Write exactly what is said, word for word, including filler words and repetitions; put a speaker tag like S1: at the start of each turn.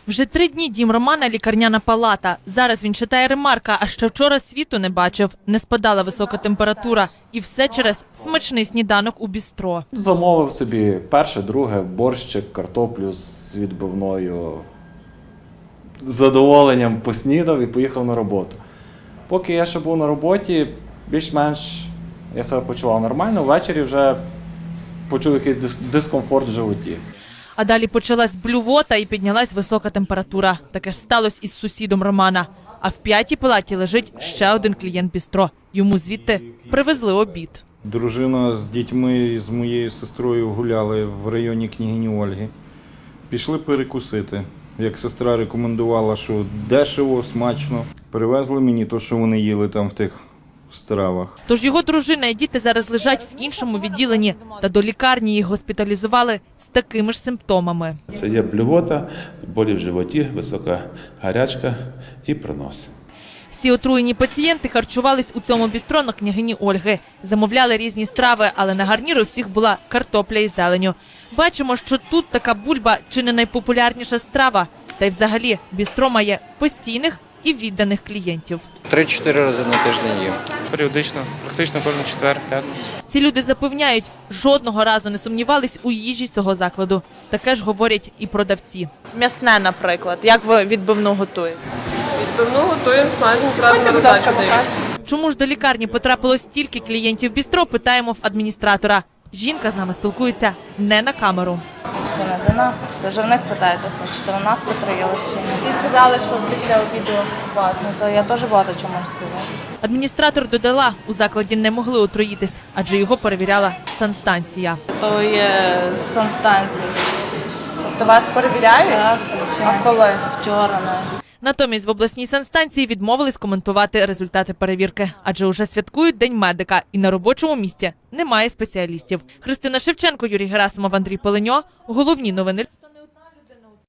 S1: Вже три дні дім Романа – лікарняна палата. Зараз він читає ремарка, а ще вчора світу не бачив. Не спадала висока температура. І все через смачний сніданок у бістро.
S2: Замовив собі перше, друге, борщик, картоплю з відбивною. З задоволенням поснідав і поїхав на роботу. Поки я ще був на роботі, більш-менш я себе почував нормально. Ввечері вже почув якийсь дис- дискомфорт в животі.
S1: А далі почалась блювота і піднялась висока температура. Таке ж сталося із сусідом Романа. А в п'ятій палаті лежить ще один клієнт бістро. Йому звідти привезли обід.
S3: Дружина з дітьми, з моєю сестрою гуляли в районі княгині Ольги. Пішли перекусити. Як сестра рекомендувала, що дешево, смачно. Привезли мені те, що вони їли там в тих стравах.
S1: Тож його дружина і діти зараз лежать в іншому відділенні. Та до лікарні їх госпіталізували з такими ж симптомами.
S4: Це є блювота, болі в животі, висока гарячка і пронос.
S1: Всі отруєні пацієнти харчувались у цьому бістро на княгині Ольги. Замовляли різні страви, але на гарніру у всіх була картопля із зеленню. Бачимо, що тут така бульба чи не найпопулярніша страва. Та й взагалі бістро має постійних і відданих клієнтів.
S5: Три-чотири рази на тиждень їм.
S6: Періодично, практично кожен четвер, п'ятницю.
S1: Ці люди запевняють, жодного разу не сумнівались у їжі цього закладу. Таке ж говорять і продавці. М'ясне, наприклад. Як ви відбивну готуєте?
S7: Відбивну готуємо, смажимо зразу на роздачу даємо.
S1: Чому ж до лікарні потрапило стільки клієнтів бістро, питаємо в адміністратора. Жінка з нами спілкується не на камеру.
S8: Це не до нас. Це вже в них питаєтеся, чи то в нас потроїлось чи ні.
S7: Всі сказали, що після обіду у вас.
S8: Ну, то я теж багато чому сказала.
S1: Адміністратор додала, у закладі не могли отруїтись, адже його перевіряла санстанція.
S8: То є санстанція.
S7: Тобто вас перевіряють?
S8: Так, звичайно.
S7: А коли?
S8: Вчора навіть.
S1: Натомість в обласній санстанції відмовились коментувати результати перевірки, адже уже святкують День медика і на робочому місці немає спеціалістів. Христина Шевченко, Юрій Герасимов, Андрій Полиньо. Головні новини.